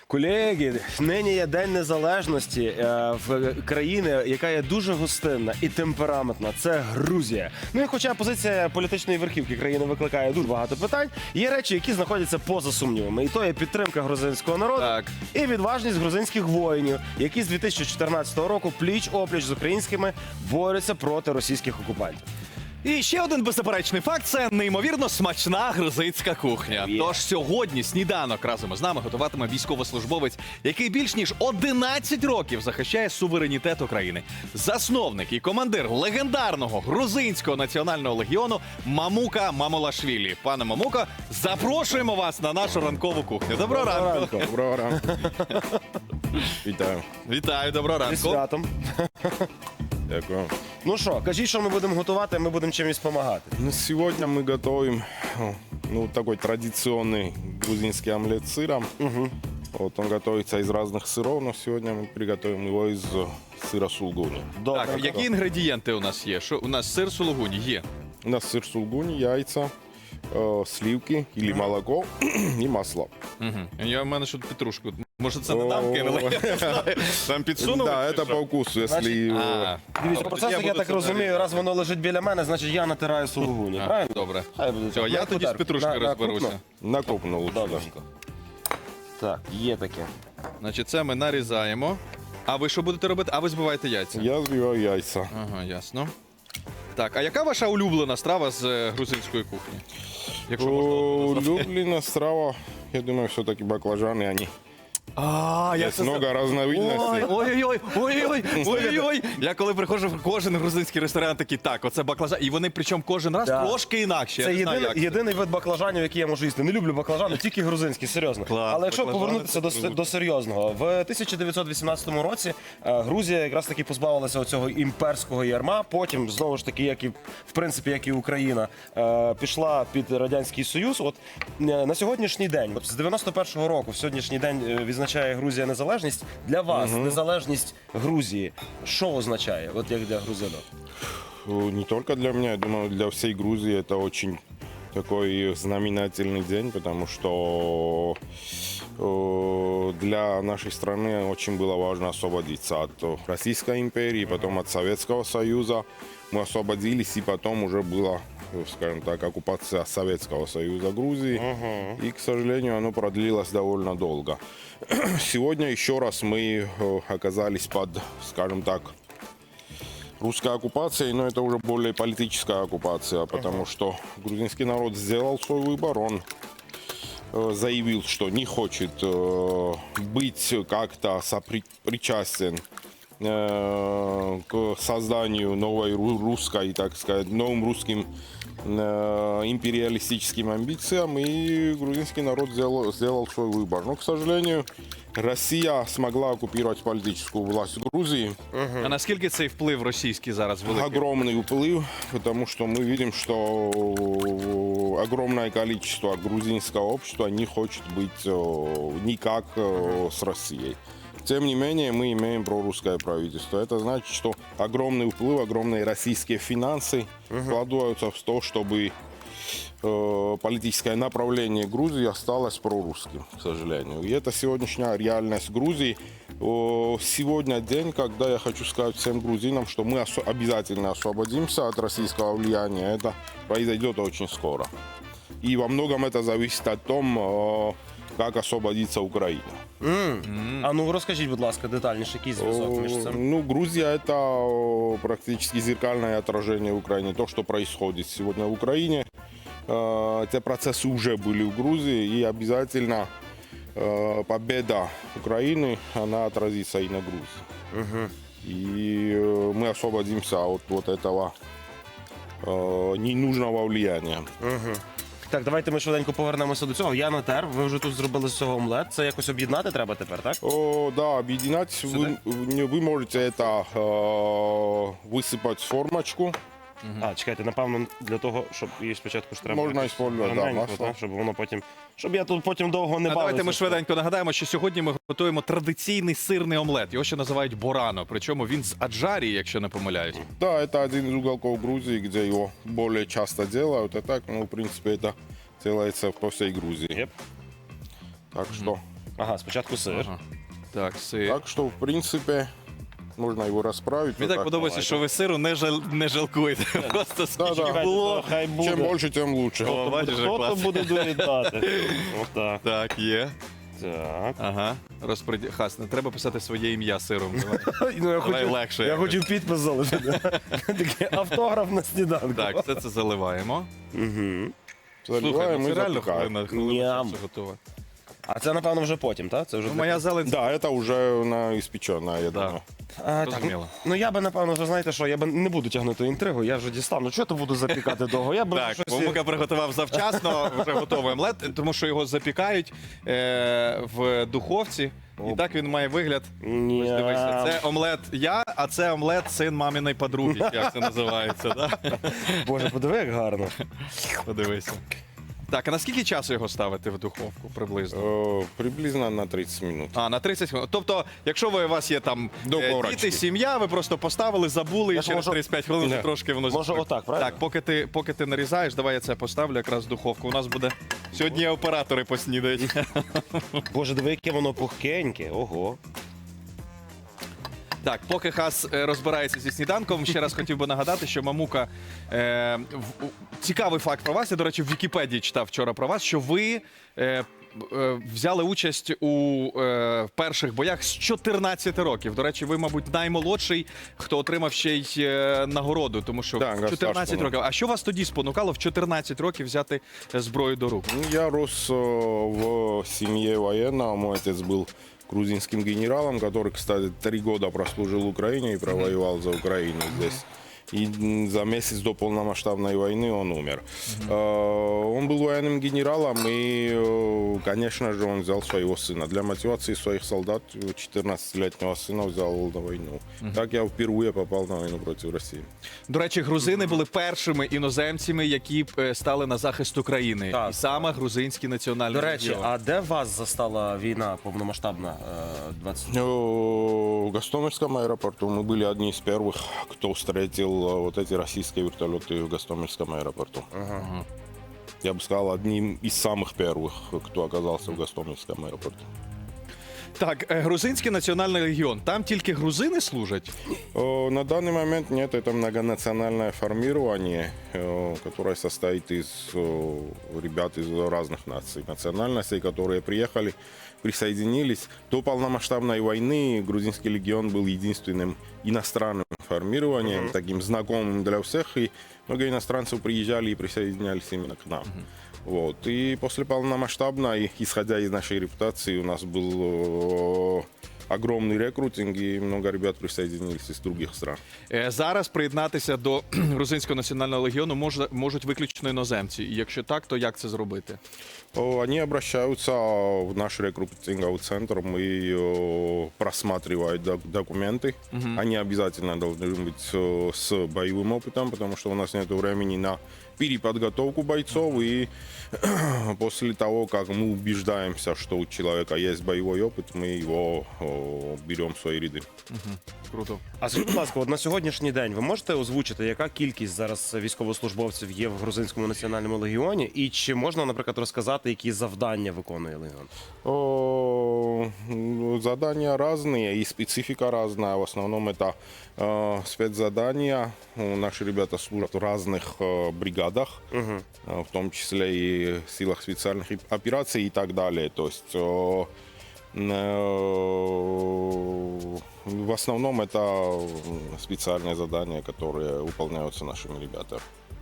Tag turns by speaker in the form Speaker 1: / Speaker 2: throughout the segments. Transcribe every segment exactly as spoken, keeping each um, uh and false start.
Speaker 1: Колеги, нині є День Незалежності е, в країни, яка є дуже гостинна і темпераментна. Це Грузія. Ну і хоча позиція політичної верхівки країни викликає дуже багато питань, є речі, які знаходяться поза сумнівами. І то є підтримка грузинського народу
Speaker 2: Так.
Speaker 1: і відважність грузинських воїнів, які з дві тисячі чотирнадцятого року пліч-опліч з українськими борються проти російських окупантів.
Speaker 2: І ще один беззаперечний факт – це неймовірно смачна грузинська кухня.
Speaker 1: Є.
Speaker 2: Тож сьогодні сніданок разом із нами готуватиме військовослужбовець, який більш ніж одинадцять років захищає суверенітет України. Засновник і командир легендарного грузинського національного легіону Мамука Мамулашвілі. Пане Мамука, запрошуємо вас на нашу ранкову кухню. Доброго ранку.
Speaker 3: Доброго ранку. Вітаю.
Speaker 2: Вітаю, доброго
Speaker 1: Зі
Speaker 2: ранку.
Speaker 1: святом.
Speaker 3: Дякую.
Speaker 1: Ну що, кажіть, що ми будемо готувати, а ми будемо чимось допомагати.
Speaker 3: Ну, сегодня мы готовим ну, такой традиционный грузинский омлет с сыром. Вот, он готовится из разных сыров, но сегодня мы приготовим его из сыра сулгуни.
Speaker 1: Добре.
Speaker 2: Так, які інгредієнти у нас є? Що у нас сир сулугуні є?
Speaker 3: У нас сыр сулгуни, яйца, э, сливки или молоко и масло.
Speaker 2: Угу. Я в мене що петрушку. Може це не нам
Speaker 3: О.
Speaker 2: кинули? Я не знаю. Там підсунули?
Speaker 3: Да,
Speaker 2: чи
Speaker 3: это
Speaker 2: що?
Speaker 3: по вкусу, если...
Speaker 2: А,
Speaker 1: Дивіться,
Speaker 2: Тобто
Speaker 1: процес,
Speaker 2: я
Speaker 1: як я
Speaker 2: буду
Speaker 1: так
Speaker 2: це
Speaker 1: розумію,
Speaker 2: нарізати.
Speaker 1: раз воно лежить біля мене, значить я натираю сулугуні,
Speaker 2: А,
Speaker 1: правильно?
Speaker 2: добре.
Speaker 1: Хай буде
Speaker 2: Все,
Speaker 1: так.
Speaker 2: я
Speaker 1: На
Speaker 2: тоді з
Speaker 1: кутер.
Speaker 2: петрушкою
Speaker 1: На- на
Speaker 2: розберуся.
Speaker 1: крупно?
Speaker 3: На крупно лучше, да.
Speaker 1: Добренько. Так, є таке.
Speaker 2: Значить, це ми нарізаємо. А ви що будете робити? А ви збиваєте яйця?
Speaker 3: Я взбиваю яйца.
Speaker 2: Ага, ясно. Так, а яка ваша улюблена страва з е, грузинської кухні? Якщо можна
Speaker 3: О,
Speaker 2: назвати.
Speaker 3: Улюблена страва, я думаю, все-таки баклажаны, они.
Speaker 2: А, як
Speaker 3: Есть
Speaker 2: це
Speaker 3: много
Speaker 2: Ой,
Speaker 3: разновидностей.
Speaker 2: ой-ой-ой, ой-ой-ой, ой-ой-ой. Я коли приходжу в кожен грузинський ресторан, такий, так, оце баклажан. І вони причому кожен раз
Speaker 1: Да.
Speaker 2: трошки інакше. Я
Speaker 1: Це
Speaker 2: не знаю,
Speaker 1: єдиний,
Speaker 2: як це.
Speaker 1: єдиний вид баклажанів, який я можу їсти. Не люблю баклажани, тільки грузинські, серйозно.
Speaker 2: Клас,
Speaker 1: Але якщо
Speaker 2: баклажани
Speaker 1: повернутися до,
Speaker 2: це
Speaker 1: с-
Speaker 2: круто.
Speaker 1: до серйозного, в тисяча дев'ятсот вісімнадцятому році е, Грузія якраз таки позбавилася цього імперського ярма. Потім, знову ж таки, як і в принципі, як і Україна, е, пішла під Радянський Союз. От е, на сьогоднішній день, от з дев'яносто першого року, в сьогоднішній день е, відзначає Грузія незалежність. Для вас незалежність Грузії що означає? От як для грузина?
Speaker 3: Э, Не только для меня, я думаю, для всей Грузии это очень такой знаменательный день, потому что э, для нашей страны очень было важно освободиться от э, Российской империи, потом от Советского Союза. Мы освободились, и потом уже была, э, скажем так, оккупация Советского Союза Грузии. И, к сожалению, оно продлилось довольно долго. Сегодня еще раз мы э, оказались под, скажем так, русской оккупацией, но это уже более политическая оккупация, потому что грузинский народ сделал свой выбор, он э, заявил, что не хочет э, быть как-то сопричастен э, к созданию новой ру- русской, так сказать, новым русским э, империалистическим амбициям, и грузинский народ сделал, сделал свой выбор. Но, к сожалению, Россия смогла оккупировать политическую власть Грузии.
Speaker 2: А наскільки цей вплив російський зараз великий?
Speaker 3: Огромный уплыв, потому что мы видим, что огромное количество грузинского общества не хочет быть э, никак э, с Россией. Тем не менее, мы имеем прорусское правительство. Это значит, что огромный уплыв, огромные российские финансы вкладываются в то, чтобы э, политическое направление Грузии осталось прорусским, к сожалению. И это сегодняшняя реальность Грузии. О, Сегодня день, когда я хочу сказать всем грузинам, что мы осо- обязательно освободимся от российского влияния. Это произойдет очень скоро. И во многом это зависит от том, э, как освободится Украина.
Speaker 1: А ну розкажіть, будь ласка, детальніше, який зв'язок між
Speaker 3: О,
Speaker 1: цим?
Speaker 3: Ну, Грузия – это о, практически зеркальное отражение Украины. То, что происходит сегодня в Украине, э, эти процессы уже были в Грузии, и обязательно э, победа Украины, она отразится и на Грузии. И э, мы освободимся от вот этого э, ненужного влияния.
Speaker 1: Так, давайте ми швиденько повернемося до цього. Я натер, ви вже тут зробили з цього омлет. Це якось об'єднати треба тепер, так?
Speaker 3: О, да, объединять вы, вы можете это э, высыпать в формочку.
Speaker 1: А, чекайте, напевно, для того, щоб її спочатку ж треба
Speaker 3: Можна
Speaker 1: якось
Speaker 3: использовать, да,
Speaker 1: ровненько,
Speaker 3: масло.
Speaker 1: так, щоб воно потім. Щоб я тут потім довго не
Speaker 2: А
Speaker 1: бавився.
Speaker 2: давайте ми швиденько нагадаємо, що сьогодні ми готуємо традиційний сирний омлет. Його ще називають борано. Причому він з аджарії, якщо не помиляюсь.
Speaker 3: Да, это один из уголков Грузии, где его более часто делают. А так, ну, в принципе, это делается по всей Грузии.
Speaker 1: Єп.
Speaker 3: Так что
Speaker 1: Ага, спочатку сир.
Speaker 2: Ага. Так, сир.
Speaker 3: Так что, в принципе, можно его расправить.
Speaker 2: Мені
Speaker 3: вот
Speaker 2: так подобається, що ви сиру не, жал... не жалкуєте. Просто скільки
Speaker 3: Да-да.
Speaker 2: було.
Speaker 1: Хай буде.
Speaker 3: Чем больше, тем лучше.
Speaker 2: О, бачиш, як
Speaker 1: Хто то
Speaker 2: класно.
Speaker 1: буде доїдати? Отак.
Speaker 2: Так, є.
Speaker 1: Так.
Speaker 2: Ага. Розпреді... Хас, не треба писати своє ім'я сиром. Давай.
Speaker 1: Ну, я
Speaker 2: Давай
Speaker 1: хотів,
Speaker 2: легше
Speaker 1: я
Speaker 2: якось.
Speaker 1: хотів підпис залишити. Такий автограф на сніданку.
Speaker 2: Так, все це заливаємо.
Speaker 1: Угу.
Speaker 2: Слухай,
Speaker 3: Заливаем
Speaker 2: ну
Speaker 3: и
Speaker 2: це реально
Speaker 3: запекаем.
Speaker 2: хвилина, хвилина,
Speaker 1: Ням.
Speaker 2: все готове.
Speaker 1: А це, напевно, вже потім, так? Це вже
Speaker 2: Ну,
Speaker 1: для-
Speaker 2: моя зелень.
Speaker 3: Да, это уже на испеченное, я
Speaker 2: Да.
Speaker 3: думаю.
Speaker 1: А, так,
Speaker 2: Зрозуміло.
Speaker 1: ну я би, напевно, вже знаєте що, я би не буду тягнути інтригу, я вже дістав. Ну чого то буду запікати довго? Я би
Speaker 2: Так,
Speaker 1: щось...
Speaker 2: Мамука приготував завчасно, вже готовий омлет, тому що його запікають е, в духовці. І так він має вигляд.
Speaker 1: Ні.
Speaker 2: Ось дивися, це омлет я, а це омлет син маминої подруги, як це називається. Да?
Speaker 1: Боже, подиви, як гарно.
Speaker 2: Подивися. Так, а на скільки часу його ставити в духовку приблизно?
Speaker 3: Э, Приблизно на тридцать минут.
Speaker 2: А, на тридцять хвилин. Тобто, якщо ви, у вас є там
Speaker 3: До
Speaker 2: е,
Speaker 3: корочки.
Speaker 2: діти, сім'я, ви просто поставили, забули,
Speaker 1: Я
Speaker 2: і
Speaker 1: ж
Speaker 2: через
Speaker 1: можу-
Speaker 2: тридцять п'ять хвилин
Speaker 3: Да.
Speaker 2: трошки воно
Speaker 1: Може,
Speaker 2: зіпсує.
Speaker 1: отак, правильно?
Speaker 2: Так, поки ти, поки ти нарізаєш, давай я це поставлю якраз в духовку. У нас буде сьогодні оператори поснідають.
Speaker 1: Боже, диви, яке воно пухкеньке. Ого.
Speaker 2: Так, поки Хас е, розбирається зі сніданком, ще раз хотів би нагадати, що Мамука е, в, у- цікавий факт про вас. Я, до речі, в Вікіпедії читав вчора про вас, що ви е, е, взяли участь у е, перших боях з чотирнадцяти років. До речі, ви, мабуть, наймолодший, хто отримав ще й е, нагороду, тому що
Speaker 3: Так,
Speaker 2: в
Speaker 3: я
Speaker 2: чотирнадцять
Speaker 3: старший.
Speaker 2: років. А що вас тоді спонукало в чотирнадцять років взяти е, зброю до рук?
Speaker 3: Ну, Я рос э, в семье военного. Мой отец был грузинским генералом, который, кстати, три года прослужил в Украине и провоевал за Украину здесь. И м, за месяц до полномасштабной войны он умер. Э, Он был военным генералом, и, э, конечно же, он взял своего сына. Для мотивации своих солдат четырнадцатилетнего сына взял на войну. Так я впервые попал на войну против России.
Speaker 2: До речі, грузини були першими іноземцями, які е, стали на захист України.
Speaker 1: Так.
Speaker 2: І саме грузинський національний
Speaker 1: До речі,
Speaker 2: легіон.
Speaker 1: а де вас застала війна повномасштабна? е, двадцять...
Speaker 3: Э, В Гостомельском аэропорту мы были одни из первых, кто встретил э, вот эти российские вертолеты в Гостомельском аэропорту. Я бы сказал, одним из самых первых, кто оказался в Гостомельском аэропорту.
Speaker 2: Так, е, грузинський національний легіон. Там тільки грузини служать.
Speaker 3: Э, На данный момент нет, это многонациональное формирование, э, которое состоит из э, ребят из разных наций, национальностей, которые приехали, присоединились. До полномасштабной войны грузинский легион был единственным иностранным формированием, таким знакомым для всех, и много иностранцев приезжали и присоединялись именно к нам. Вот. И после полномасштабной, исходя из нашей репутации, у нас был э, огромный рекрутинг, и много ребят присоединились из других стран.
Speaker 2: Е, Зараз приєднатися до грузинського національного легіону може, можуть виключно іноземці. І якщо так, то як це зробити?
Speaker 3: О, Они обращаются в наш рекрутинговый центр, мы э, просматривают док- документы. Они обязательно должны быть э, с боевым опытом, потому что у нас нет времени на переподготовку бойцов. И после того, как мы убеждаемся, что у человека есть боевой опыт, мы его э, берем в свои ряды.
Speaker 2: Круто.
Speaker 1: А скажіть, будь ласка, от на сьогоднішній день ви можете озвучити, яка кількість зараз військовослужбовців є в грузинському національному легіоні? І чи можна, наприклад, розказати, які завдання виконує легіон?
Speaker 3: О, ну, Задания разные и специфика разная. В основном это э, спецзадания. Ну, Наши ребята служат в разных э, бригадах, э, в том числе и в силах специальных и- операций и так далее. То есть э, э, в основном это м, специальные задания, которые выполняются нашими ребятами.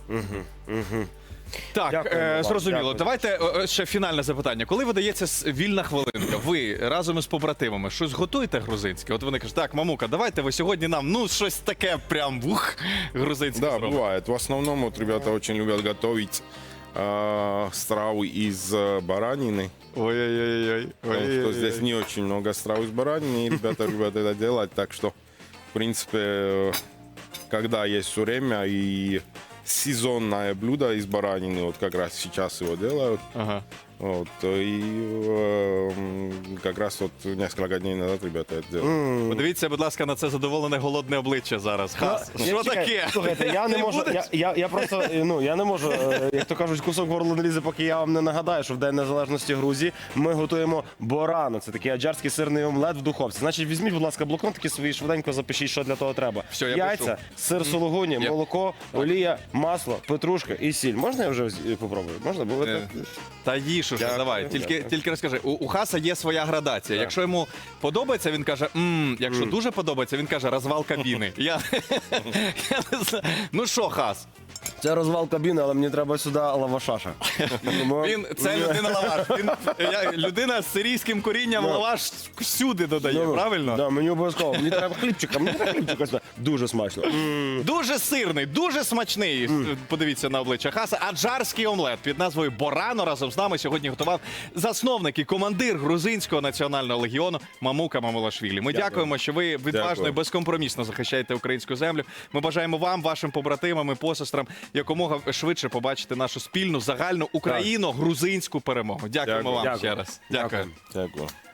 Speaker 2: Так,
Speaker 1: Дякуємо
Speaker 2: е,
Speaker 1: вам,
Speaker 2: зрозуміло.
Speaker 1: дякую.
Speaker 2: Давайте е, е, ще фінальне запитання. Коли видається с- вільна хвилинка, ви разом із побратимами щось готуєте грузинське? От вони кажуть, так, мамука, давайте ви сьогодні нам ну щось таке прям ух, грузинське
Speaker 3: Да,
Speaker 2: зробимо.
Speaker 3: бывает. В основном вот ребята очень любят готовить э, стравы из э, баранины.
Speaker 2: Ой-ой-ой.
Speaker 3: Потому что здесь не очень много страв из баранины, и ребята любят это делать. Так что, в принципе, э, когда есть все время и сезонное блюдо из баранины, вот как раз сейчас его делают,
Speaker 2: Ага.
Speaker 3: Вот, и э, м, как раз вот несколько дней назад ребята это сделали.
Speaker 2: Подивіться, будь ласка, на це задоволене голодне обличчя зараз. Хас,
Speaker 1: Ну,
Speaker 2: що
Speaker 1: я- чекай,
Speaker 2: таке?
Speaker 1: Слухайте, я не
Speaker 2: Ти
Speaker 1: можу.
Speaker 2: будеш?
Speaker 1: Я, я, я просто е, ну я не можу, е, як то кажуть, кусок горло не лізе, поки я вам не нагадаю, що в День Незалежності Грузії ми готуємо борано. Це такий аджарський сирний омлет в духовці. Значить, візьміть, будь ласка, блокнотики свої, швиденько запишіть, що для того треба.
Speaker 2: Все, я
Speaker 1: Яйця,
Speaker 2: пишу.
Speaker 1: сир сулугуні,
Speaker 2: Є.
Speaker 1: молоко, олія, масло, петрушка і сіль. Можна я вже е, попробую? Можна? Бо ви
Speaker 2: Е,
Speaker 1: так-
Speaker 2: Та їж уже,
Speaker 3: Дякую,
Speaker 2: давай. Тільки,
Speaker 3: дякую.
Speaker 2: тільки розкажи, у, у Хаса є своя градація. Якщо йому подобається, він каже мм. Якщо дуже подобається, він каже розвал кабіни. Я, я не знаю. Ну що, Хас?
Speaker 1: Це розвал кабіни, але мені треба сюди лавашаша. Тому-
Speaker 2: Він це людина лаваш. Він я, людина з сирійським корінням
Speaker 1: Ну.
Speaker 2: лаваш всюди додає,
Speaker 1: Ну,
Speaker 2: правильно?
Speaker 1: Да, мені обов'язково. Мені треба хлібчика, мені треба хлібчика сюди. Дуже смачно. М.
Speaker 2: Дуже сирний, дуже смачний. Подивіться на обличчя Хаса. Аджарський омлет під назвою Борано разом з нами сьогодні готував засновник і командир грузинського національного легіону Мамука Мамулашвілі. Ми дякуємо, що ви відважно і
Speaker 3: Дякую.
Speaker 2: безкомпромісно захищаєте українську землю. Ми бажаємо вам, вашим побратимам і посестрам якомога швидше побачити нашу спільну загальну україно-грузинську перемогу. Дякуємо
Speaker 3: Дякую.
Speaker 2: вам
Speaker 1: Дякую.
Speaker 2: ще раз. Дякую.
Speaker 3: Дякую.